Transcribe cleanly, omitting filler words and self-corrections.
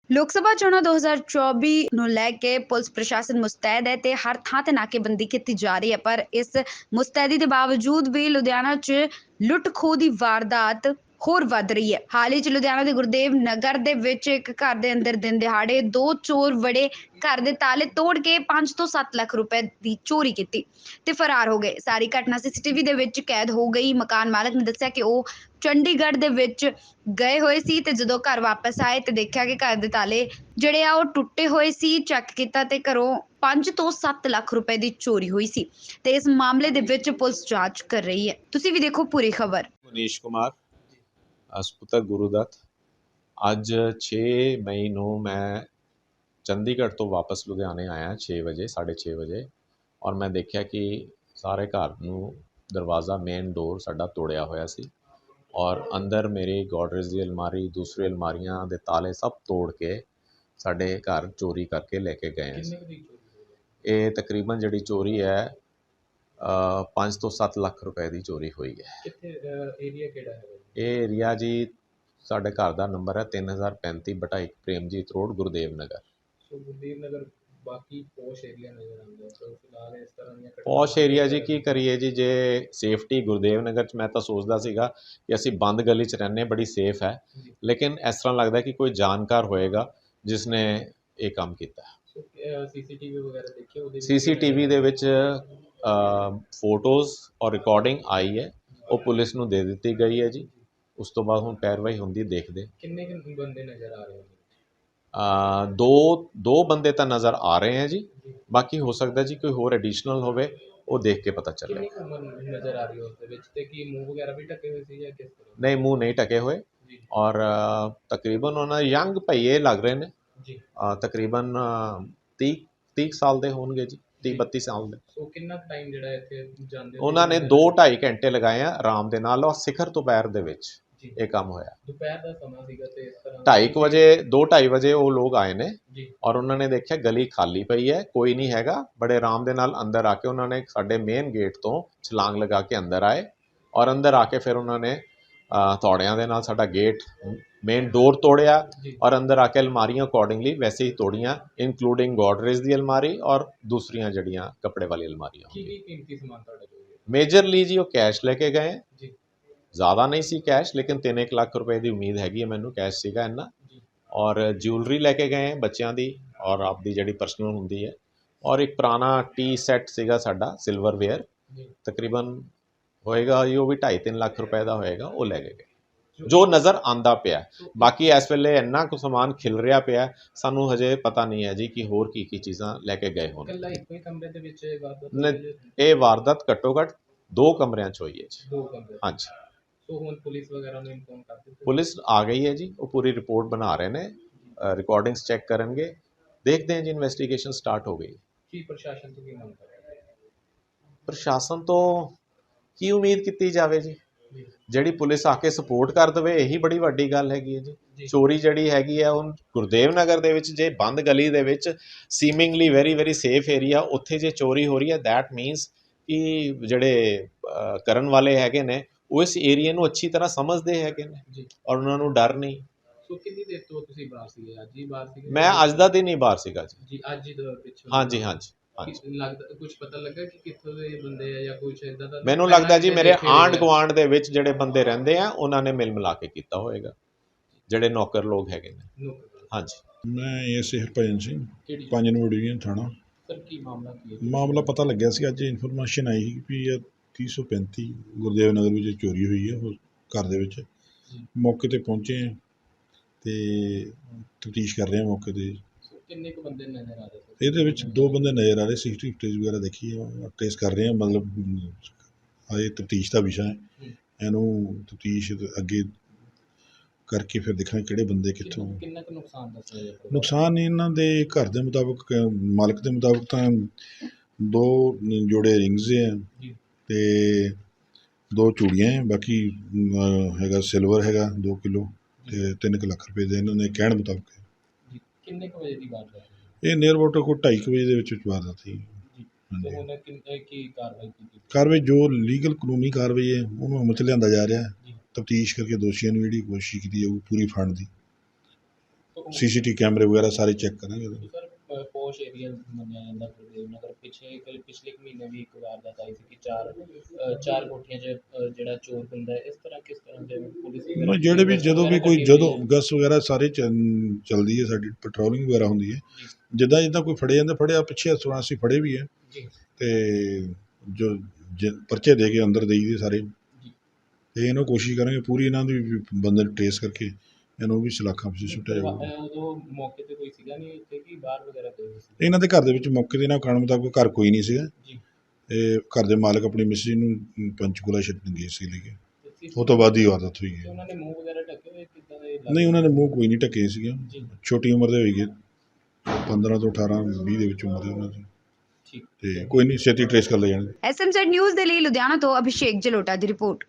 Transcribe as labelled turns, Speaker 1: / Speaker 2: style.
Speaker 1: ਲੋਕ ਸਭਾ ਚੋਣਾਂ 2024 ਨੂੰ ਲੈ ਕੇ ਪੁਲਿਸ ਪ੍ਰਸ਼ਾਸਨ ਮੁਸਤੈਦ ਹੈ ਤੇ ਹਰ ਥਾਂ ਤੇ ਨਾਕੇਬੰਦੀ ਕੀਤੀ ਜਾ ਰਹੀ ਹੈ। ਪਰ ਇਸ ਮੁਸਤੈਦੀ ਦੇ ਬਾਵਜੂਦ ਵੀ ਲੁਧਿਆਣਾ 'ਚ ਲੁੱਟ ਖੋਹ ਦੀ ਵਾਰਦਾਤ ਹੋਰ ਵੱਧ ਰਹੀ ਹੈ। ਹਾਲ ਹੀ 'ਚ ਲੁਧਿਆਣਾ ਦੇ ਗੁਰਦੇਵ ਨਗਰ ਦੇ ਵਿੱਚ ਇੱਕ ਘਰ ਦੇ ਅੰਦਰ ਦਿਨ ਦਿਹਾੜੇ ਦੋ ਚੋਰ ਵੜੇ, ਘਰ ਦੇ ਤਾਲੇ ਤੋੜ ਕੇ 5 ਤੋਂ 7 ਲੱਖ ਰੁਪਏ ਦੀ ਚੋਰੀ ਕੀਤੀ ਤੇ ਫਰਾਰ ਹੋ ਗਏ। ਸਾਰੀ ਘਟਨਾ ਸੀਸੀਟੀਵੀ ਦੇ ਵਿੱਚ ਕੈਦ ਹੋ ਗਈ। ਮਕਾਨ ਮਾਲਕ ਨੇ ਦੱਸਿਆ ਕਿ ਉਹ ਚੰਡੀਗੜ੍ਹ ਦੇ ਵਿੱਚ ਗਏ ਹੋਏ ਸੀ ਤੇ ਜਦੋਂ ਘਰ ਵਾਪਸ ਆਏ ਤੇ ਦੇਖਿਆ ਕਿ ਘਰ ਦੇ ਤਾਲੇ ਜਿਹੜੇ ਆ ਉਹ ਟੁੱਟੇ ਹੋਏ ਸੀ। ਚੈੱਕ ਕੀਤਾ ਤੇ ਘਰੋਂ 5 ਤੋਂ 7 ਲੱਖ ਰੁਪਏ ਦੀ ਚੋਰੀ ਹੋਈ ਸੀ ਤੇ ਇਸ ਮਾਮਲੇ ਦੇ ਵਿੱਚ ਪੁਲਿਸ ਜਾਂਚ ਕਰ ਰਹੀ ਹੈ। ਤੁਸੀਂ ਵੀ ਦੇਖੋ ਪੂਰੀ ਖਬਰ।
Speaker 2: ਮਨੀਸ਼ ਕੁਮਾਰ ਸਪੁੱਤਰ ਗੁਰੂਦੱਤ। ਅੱਜ 6 ਮਈ ਨੂੰ ਮੈਂ ਚੰਡੀਗੜ੍ਹ ਤੋਂ ਵਾਪਸ ਲੁਧਿਆਣੇ ਆਇਆ 6 ਵਜੇ 6:30 ਵਜੇ ਔਰ ਮੈਂ ਦੇਖਿਆ ਕਿ ਸਾਰੇ ਘਰ ਨੂੰ ਦਰਵਾਜ਼ਾ ਮੇਨ ਡੋਰ ਸਾਡਾ ਤੋੜਿਆ ਹੋਇਆ ਸੀ ਔਰ ਅੰਦਰ ਮੇਰੀ ਗੋਡਰੇਜ ਦੀ ਅਲਮਾਰੀ, ਦੂਸਰੀ ਅਲਮਾਰੀਆਂ ਦੇ ਤਾਲੇ ਸਭ ਤੋੜ ਕੇ ਸਾਡੇ ਘਰ ਚੋਰੀ ਕਰਕੇ ਲੈ ਕੇ ਗਏ। ਇਹ ਤਕਰੀਬਨ ਜਿਹੜੀ ਚੋਰੀ ਹੈ 5 ਤੋਂ 7 ਲੱਖ ਰੁਪਏ ਦੀ ਚੋਰੀ ਹੋਈ ਹੈ।
Speaker 3: ਕਿੱਥੇ ਏਰੀਆ ਕਿਹੜਾ ਹੈ?
Speaker 2: ਇਹ ਏਰੀਆ ਜੀ ਸਾਡੇ ਘਰ ਦਾ ਨੰਬਰ ਹੈ 3035/1 ਪ੍ਰੇਮਜੀਤ ਰੋਡ, ਗੁਰਦੇਵ ਨਗਰ।
Speaker 3: ਸੋ ਗੁਰਦੇਵ ਨਗਰ ਬਾਕੀ ਪੋਸ਼ ਏਰੀਆ ਨਜ਼ਰ ਆਉਂਦਾ ਹੈ। ਸੋ ਫਿਲਹਾਲ ਇਸ ਤਰ੍ਹਾਂ ਦੀਆਂ
Speaker 2: ਪੌਸ਼ ਏਰੀਆ ਜੀ ਕੀ ਕਰੀਏ ਜੀ, ਜੇ ਸੇਫਟੀ ਗੁਰਦੇਵ ਨਗਰ 'ਚ ਮੈਂ ਤਾਂ ਸੋਚਦਾ ਸੀਗਾ ਕਿ ਅਸੀਂ ਬੰਦ ਗਲੀ 'ਚ ਰਹਿੰਦੇ ਬੜੀ ਸੇਫ ਹੈ, ਲੇਕਿਨ ਇਸ ਤਰ੍ਹਾਂ ਲੱਗਦਾ ਕਿ ਕੋਈ ਜਾਣਕਾਰ ਹੋਏਗਾ ਜਿਸ ਨੇ ਇਹ ਕੰਮ ਕੀਤਾ।
Speaker 3: ਸੋ ਸੀਸੀਟੀਵੀ ਵਗੈਰਾ ਦੇਖਿਆ ਉਹਦੇ
Speaker 2: ਸੀਸੀਟੀਵੀ ਦੇ ਵਿੱਚ ਫੋਟੋਜ਼ ਔਰ ਰਿਕਾਰਡਿੰਗ ਆਈ ਹੈ, ਉਹ ਪੁਲਿਸ ਨੂੰ ਦੇ ਦਿੱਤੀ ਗਈ ਹੈ ਜੀ। ਉਸ ਤੋਂ ਬਾਅਦ ਹੁਣ ਪੈਰਵਾਈ ਹੁੰਦੀ ਦੇਖਦੇ।
Speaker 3: ਕਿੰਨੇ ਬੰਦੇ ਨਜ਼ਰ ਆ ਰਹੇ ਹੋ?
Speaker 2: ਦੋ ਬੰਦੇ ਤਾਂ ਨਜ਼ਰ ਆ ਰਹੇ ਹੈ ਜੀ, ਬਾਕੀ ਹੋ ਸਕਦਾ ਜੀ ਕੋਈ ਹੋਰ ਐਡੀਸ਼ਨਲ ਹੋਵੇ, ਉਹ ਦੇਖ ਕੇ ਪਤਾ ਚੱਲੇ।
Speaker 3: ਕਿੰਨੀ ਉਮਰ ਨਜ਼ਰ ਆ ਰਹੀ ਹੈ ਉਸ ਦੇ ਵਿੱਚ ਤੇ ਕੀ ਮੂੰਹ ਵਗੈਰਾ ਵੀ ਢਕੇ ਹੋਏ ਸੀ ਜਾਂ ਕਿਸ ਤਰ੍ਹਾਂ?
Speaker 2: ਨਹੀਂ, ਮੂੰਹ ਨਹੀਂ ਢਕੇ ਹੋਏ ਔਰ ਤਕਰੀਬਨ ਉਹਨਾਂ ਯੰਗ ਭਈਏ ਲੱਗ ਰਹੇ ਨੇ ਜੀ। ਤਕਰੀਬਨ 30 ਸਾਲ ਦੇ ਹੋਣਗੇ ਜੀ, 30-32 ਸਾਲ ਦੇ।
Speaker 3: ਸੋ ਕਿੰਨਾ ਟਾਈਮ ਜਿਹੜਾ ਇੱਥੇ ਜਾਂਦੇ
Speaker 2: ਉਹਨਾਂ ਨੇ 2-2.5 ਘੰਟੇ ਲਗਾਏ ਆ ਆਰਾਮ ਦੇ ਨਾਲ ਔਰ ਸਿਖਰ ਦੁਪਹਿਰ ਦੇ ਵਿੱਚ ਇਹ ਕੰਮ ਹੋਇਆ।
Speaker 3: ਦੁਪਹਿਰ ਦਾ ਸਮਾਂ ਸੀਗਾ ਤੇ ਇਸ ਤਰ੍ਹਾਂ
Speaker 2: 2:30 ਵਜੇ 2-2:30 ਵਜੇ ਉਹ ਲੋਕ ਆਏ ਨੇ
Speaker 3: ਜੀ
Speaker 2: ਔਰ ਉਹਨਾਂ ਨੇ ਦੇਖਿਆ ਗਲੀ ਖਾਲੀ ਪਈ ਹੈ, ਕੋਈ ਨਹੀਂ ਹੈਗਾ। ਬੜੇ ਆਰਾਮ ਦੇ ਨਾਲ ਅੰਦਰ ਆ ਕੇ ਉਹਨਾਂ ਨੇ ਸਾਡੇ ਮੇਨ ਗੇਟ ਤੋਂ ਛਲਾਂਗ ਲਗਾ ਕੇ ਅੰਦਰ ਆਏ ਔਰ ਅੰਦਰ ਆ ਕੇ ਫਿਰ ਉਹਨਾਂ ਨੇ ਹਥੌੜਿਆਂ ਦੇ ਨਾਲ ਸਾਡਾ ਗੇਟ ਮੇਨ ਡੋਰ ਤੋੜਿਆ ਔਰ ਅੰਦਰ ਆ ਕੇ ਅਲਮਾਰੀਆਂ ਅਕੋਰਡਿੰਗਲੀ ਵੈਸੇ ਹੀ ਤੋੜੀਆਂ, ਇਨਕਲੂਡਿੰਗ ਗੋਡਰੇਜ ਦੀ ਅਲਮਾਰੀ ਔਰ ਦੂਸਰੀਆਂ ਜਿਹੜੀਆਂ ਕੱਪੜੇ ਵਾਲੀ ਅਲਮਾਰੀਆਂ।
Speaker 3: ਕੀ ਕੀਮਤੀ ਸਮਾਨ ਤੁਹਾਡਾ
Speaker 2: ਮੇਜਰਲੀ ਜੀ ਉਹ ਕੈਸ਼ ਲੈ ਕੇ ਗਏ
Speaker 3: ਜੀ।
Speaker 2: ज़्यादा नहीं सी कैश, लेकिन 3-1 ਲੱਖ ਰੁਪਏ ਦੀ ਉਮੀਦ ਹੈਗੀ ਹੈ ਮੈਨੂੰ, ਕੈਸ਼ ਸੀਗਾ ਇੰਨਾ। ਔਰ ਜਿਊਲਰੀ ਲੈ ਕੇ ਗਏ ਬੱਚਿਆਂ ਦੀ ਔਰ ਆਪਦੀ ਜਿਹੜੀ ਪਰਸਨਲ ਹੁੰਦੀ ਹੈ, ਔਰ ਇੱਕ ਪੁਰਾਣਾ ਟੀ ਸੈੱਟ ਸੀਗਾ ਸਾਡਾ ਸਿਲਵਰਵੇਅਰ, ਤਕਰੀਬਨ ਹੋਏਗਾ ਜੀ ਉਹ ਵੀ 2.5-3 ਲੱਖ ਰੁਪਏ ਦਾ ਹੋਏਗਾ, ਉਹ ਲੈ ਕੇ ਗਏ ਜੋ ਨਜ਼ਰ ਆਂਦਾ ਪਿਆ। ਬਾਕੀ ਇਸ ਵੇਲੇ ਇੰਨਾ ਕੁ ਸਮਾਨ ਖਿਲ ਰਿਹਾ ਪਿਆ, ਸਾਨੂੰ ਹਜੇ ਪਤਾ ਨਹੀਂ ਹੈ ਜੀ ਕਿ ਹੋਰ ਕੀ ਚੀਜ਼ਾਂ ਲੈ ਕੇ ਗਏ ਹੋਣ।
Speaker 3: ਕਮਰੇ ਦੇ ਵਿੱਚ
Speaker 2: ਇਹ ਵਾਰਦਾਤ ਘੱਟੋ ਘੱਟ 2 ਕਮਰਿਆਂ 'ਚ ਹੋਈ ਹੈ ਜੀ।
Speaker 3: 2 ਕਮਰੇ,
Speaker 2: ਹਾਂਜੀ।
Speaker 3: ਹੁਣ ਪੁਲਿਸ ਵਗੈਰਾ ਨੂੰ ਇਨਫੋਰਮ ਕਰ ਦਿੱਤਾ?
Speaker 2: ਪੁਲਿਸ ਆ ਗਈ ਹੈ ਜੀ, ਉਹ ਪੂਰੀ ਰਿਪੋਰਟ ਬਣਾ ਰਹੇ ਨੇ, ਰਿਕਾਰਡਿੰਗਸ ਚੈੱਕ ਕਰਨਗੇ, ਦੇਖਦੇ ਹਾਂ ਜੀ। ਇਨਵੈਸਟੀਗੇਸ਼ਨ ਸਟਾਰਟ ਹੋ ਗਈ।
Speaker 3: ਕੀ ਪ੍ਰਸ਼ਾਸਨ ਤੋਂ ਕੀ ਮੰਗ ਕਰ ਰਹੇ?
Speaker 2: ਪ੍ਰਸ਼ਾਸਨ ਤੋਂ ਕੀ ਉਮੀਦ ਕੀਤੀ ਜਾਵੇ ਜੀ? ਜਿਹੜੀ ਪੁਲਿਸ ਆ ਕੇ ਸਪੋਰਟ ਕਰ ਦੇਵੇ, ਇਹੀ ਬੜੀ ਵੱਡੀ ਗੱਲ ਹੈਗੀ ਹੈ ਜੀ। ਚੋਰੀ ਜਿਹੜੀ ਹੈਗੀ ਹੈ ਹੁਣ ਗੁਰਦੇਵ ਨਗਰ ਦੇ ਵਿੱਚ, ਜੇ ਬੰਦ ਗਲੀ ਦੇ ਵਿੱਚ ਸੀਮਿੰਗਲੀ ਵੈਰੀ ਸੇਫ ਏਰੀਆ, ਉੱਥੇ ਜੇ ਚੋਰੀ ਹੋ ਰਹੀ ਹੈ, ਦੈਟ ਮੀਨਸ ਕਿ ਜਿਹੜੇ ਕਰਨ ਵਾਲੇ ਹੈਗੇ ਨੇ ਉਹ ਇਸ ਏਰੀਏ ਨੂੰ ਅੱਛੀ ਤਰ੍ਹਾਂ ਸਮਝਦੇ ਹੈਗੇ ਨੇ ਔਰ ਉਹਨਾਂ ਨੂੰ ਡਰ ਨਹੀਂ।
Speaker 3: ਸੋ ਕਿੰਨੀ ਦੇਰ ਤੋਂ ਤੁਸੀਂ ਬਾਹਰ ਸੀਗੇ? ਅੱਜ ਹੀ ਬਾਹਰ ਸੀਗੇ?
Speaker 2: ਮੈਂ ਅੱਜ ਦਾ ਦਿਨ ਹੀ ਬਾਹਰ ਸੀਗਾ ਜੀ।
Speaker 3: ਅੱਜ ਹੀ ਦੇ ਪਿੱਛੇ?
Speaker 2: ਹਾਂਜੀ।
Speaker 3: ਲੱਗਦਾ ਕੁਝ ਪਤਾ ਲੱਗਾ ਕਿ ਕਿੱਥੋਂ ਦੇ ਬੰਦੇ ਆ ਜਾਂ ਕੁਝ ਇਦਾਂ ਦਾ?
Speaker 2: ਮੈਨੂੰ ਲੱਗਦਾ ਜੀ ਮੇਰੇ ਆਂਢ ਗੁਆਂਢ ਦੇ ਵਿੱਚ ਜਿਹੜੇ ਬੰਦੇ ਰਹਿੰਦੇ ਆ ਉਹਨਾਂ ਨੇ ਮਿਲ ਮਿਲਾ ਕੇ ਕੀਤਾ ਹੋਏਗਾ, ਜਿਹੜੇ ਨੌਕਰ ਲੋਕ ਹੈਗੇ ਨੇ। ਹਾਂਜੀ।
Speaker 4: ਮੈਂ SA Harbhajan Singh, 5 number division ਥਾਣਾ।
Speaker 3: ਸਰ ਕੀ ਮਾਮਲਾ ਕੀ ਹੈ?
Speaker 4: ਮਾਮਲਾ ਪਤਾ ਲੱਗਿਆ ਸੀ, ਅੱਜ ਇਨਫੋਰਮੇਸ਼ਨ ਆਈ ਸੀ ਵੀ 335 ਗੁਰਦੇਵ ਨਗਰ ਵਿੱਚ ਚੋਰੀ ਹੋਈ ਹੈ ਉਹ ਘਰ ਦੇ ਵਿੱਚ। ਮੌਕੇ 'ਤੇ ਪਹੁੰਚੇ ਹਾਂ ਅਤੇ ਤਫਤੀਸ਼ ਕਰ ਰਹੇ ਹਾਂ ਮੌਕੇ 'ਤੇ।
Speaker 3: ਕਿੰਨੇ ਕੁ ਬੰਦੇ ਨਜ਼ਰ ਆ ਰਹੇ?
Speaker 4: ਇਹਦੇ ਵਿੱਚ 2 ਬੰਦੇ ਨਜ਼ਰ ਆ ਰਹੇ। ਸੀਸੀਟੀਵੀ ਫੁਟੇਜ ਵਗੈਰਾ ਦੇਖੀ ਹੈ, ਟ੍ਰੇਸ ਕਰ ਰਹੇ ਹਾਂ। ਮਤਲਬ ਇਹ ਤਫਤੀਸ਼ ਦਾ ਵਿਸ਼ਾ ਹੈ, ਇਹਨੂੰ ਤਫਤੀਸ਼ ਅੱਗੇ ਕਰਕੇ ਫਿਰ ਦੇਖਾਂਗੇ ਕਿਹੜੇ ਬੰਦੇ ਕਿੱਥੋਂ।
Speaker 3: ਕਿੰਨਾ ਕੁ ਨੁਕਸਾਨ ਦੱਸਿਆ ਜੀ?
Speaker 4: ਨੁਕਸਾਨ ਇਹਨਾਂ ਦੇ ਘਰ ਦੇ ਮੁਤਾਬਕ, ਮਾਲਕ ਦੇ ਮੁਤਾਬਕ ਤਾਂ 2 ਜੋੜੇ ਰਿੰਗਸ ਹੈ ਅਤੇ 2 ਚੂੜੀਆਂ ਹੈ। ਬਾਕੀ ਹੈਗਾ ਸਿਲਵਰ ਹੈਗਾ 2 ਕਿਲੋ ਅਤੇ 3 ਲੱਖ ਰੁਪਏ ਦੇ ਇਹਨਾਂ ਨੇ ਕਹਿਣ ਮੁਤਾਬਕ।
Speaker 3: ਕਿੰਨੇ ਕੁ ਵਜੇ ਦੀ ਬਾਤ ਹੈ
Speaker 4: ਇਹ ਨੀਅਰ ਅਬਾਊਟ ਕੋਈ 2:30 ਵਜੇ ਦੇ ਵਿੱਚ ਵਾਰਦਾਤ ਸੀ।
Speaker 3: ਕੀ ਕਾਰਵਾਈ ਕੀਤੀ?
Speaker 4: ਕਾਰਵਾਈ ਜੋ ਲੀਗਲ ਕਾਨੂੰਨੀ ਕਾਰਵਾਈ ਹੈ ਉਹਨੂੰ ਅਮਲ 'ਚ ਲਿਆਂਦਾ ਜਾ ਰਿਹਾ। ਤਫਤੀਸ਼ ਕਰਕੇ ਦੋਸ਼ੀਆਂ ਨੂੰ ਜਿਹੜੀ ਕੋਸ਼ਿਸ਼ ਕੀਤੀ ਜਾਊਗੀ ਪੂਰੀ ਫੜਨ ਦੀ। CCTV ਕੈਮਰੇ ਵਗੈਰਾ ਸਾਰੇ ਚੈੱਕ ਕਰਾਂਗੇ।
Speaker 3: ਸਰ ਪੋਸ਼ ਏਰੀਆ ਮੰਨਿਆ ਜਾਂਦਾ ਗੁਰਦੇਵ ਨਗਰ, ਪਿਛਲੇ ਕੁ ਮਹੀਨੇ ਵੀ ਇੱਕ ਵਾਰਦਾਤ ਆਈ ਸੀ ਕਿ ਚਾਰ ਕੋਠੀਆਂ 'ਚ ਜਿਹੜਾ ਚੋਰ ਹੁੰਦਾ ਹੈ, ਇਸ ਤਰ੍ਹਾਂ ਕਿਸ ਤਰ੍ਹਾਂ ਦੇ ਪੁਲਿਸ ਵਗੈਰਾ
Speaker 4: ਜਿਹੜੇ ਵੀ
Speaker 3: ਗਸ਼ਤ
Speaker 4: ਜਦੋਂ ਵੀ
Speaker 3: ਵਗੈਰਾ
Speaker 4: ਕੋਈ
Speaker 3: ਕੱਢੀ
Speaker 4: ਜਦੋਂ
Speaker 3: ਹੋਈ ਹੈ?
Speaker 4: ਗਸ ਵਗੈਰਾ ਸਾਰੇ ਚੱਲਦੀ ਹੈ, ਸਾਡੀ ਪੈਟਰੋਲਿੰਗ ਵਗੈਰਾ ਹੁੰਦੀ ਹੈ। ਜਿੱਦਾਂ ਜਿੱਦਾਂ ਕੋਈ ਫੜੇ ਜਾਂਦਾ ਫੜਿਆ, ਪਿੱਛੇ ਅਸੀਂ ਫੜੇ ਵੀ ਹੈ
Speaker 3: ਜੀ
Speaker 4: ਤੇ ਜੋ ਪਰਚੇ ਦੇ ਕੇ ਅੰਦਰ ਦੇਈ ਦੇ ਸਾਰੇ। ਤੇ ਇਹਨੂੰ ਕੋਸ਼ਿਸ਼ ਕਰਾਂਗੇ ਪੂਰੀ ਇਹਨਾਂ ਦੀ ਵੀ ਬੰਦੇ ਨੂੰ ਟ੍ਰੇਸ ਕਰਕੇ ਇਹਨੂੰ ਵੀ ਸਲਾਖਾਂ ਵਿੱਚ ਸੁੱਟਿਆ ਜਾਊਗਾ।
Speaker 3: ਉਦੋਂ ਮੌਕੇ ਤੇ ਕੋਈ ਸੀਗਾ ਨਹੀਂ ਉੱਥੇ ਕਿ ਬਾਹਰ ਵਗੈਰਾ ਗਏ ਹੋਏ ਸੀ?
Speaker 4: ਇਹਨਾਂ ਦੇ ਘਰ ਦੇ ਵਿੱਚ ਮੌਕੇ ਦੇ ਨਾਲ ਕਾਰਨ ਮੁਤਾਬਕ ਘਰ ਕੋਈ ਨਹੀਂ ਸੀਗਾ।
Speaker 3: ਜੀ।
Speaker 4: ਇਹ ਘਰ ਦੇ ਮਾਲਕ ਆਪਣੀ ਮਿਸਿਸ ਨੂੰ ਪੰਚਕੂਲਾ ਛੱਡਣ ਗਏ ਸੀ ਲੈ ਕੇ,
Speaker 3: ਤੇ
Speaker 4: ਉਹ ਤੋਂ ਬਾਅਦ ਹੀ ਵਾਰਦਾਤ ਹੋਈ ਹੈ।
Speaker 3: ਉਹਨਾਂ ਨੇ ਮੂੰਹ ਵਗੈਰਾ ਢੱਕੇ ਹੋਏ ਕਿੱਦਾਂ ਦੇ
Speaker 4: ਨਹੀਂ, ਉਹਨਾਂ ਨੇ ਮੂੰਹ ਕੋਈ ਨਹੀਂ ਢੱਕੇ ਸੀਗੇ।
Speaker 3: ਜੀ
Speaker 4: ਛੋਟੀ ਉਮਰ ਦੇ ਹੋਈਗੇ, 15 ਤੋਂ 18 20 ਦੇ ਵਿੱਚ ਉਮਰ ਦੇ ਉਹਨਾਂ ਦੀ।
Speaker 3: ਠੀਕ।
Speaker 4: ਤੇ ਕੋਈ ਨਹੀਂ, ਛੇਤੀ ਟ੍ਰੇਸ ਕਰ ਲੈ ਜਾਣਗੇ।
Speaker 1: SMZ ਨਿਊਜ਼ ਦੇ ਲਈ ਲੁਧਿਆਣਾ ਤੋਂ ਅਭਿਸ਼ੇਕ ਜਲੋਟਾ ਦੀ ਰਿਪੋਰਟ।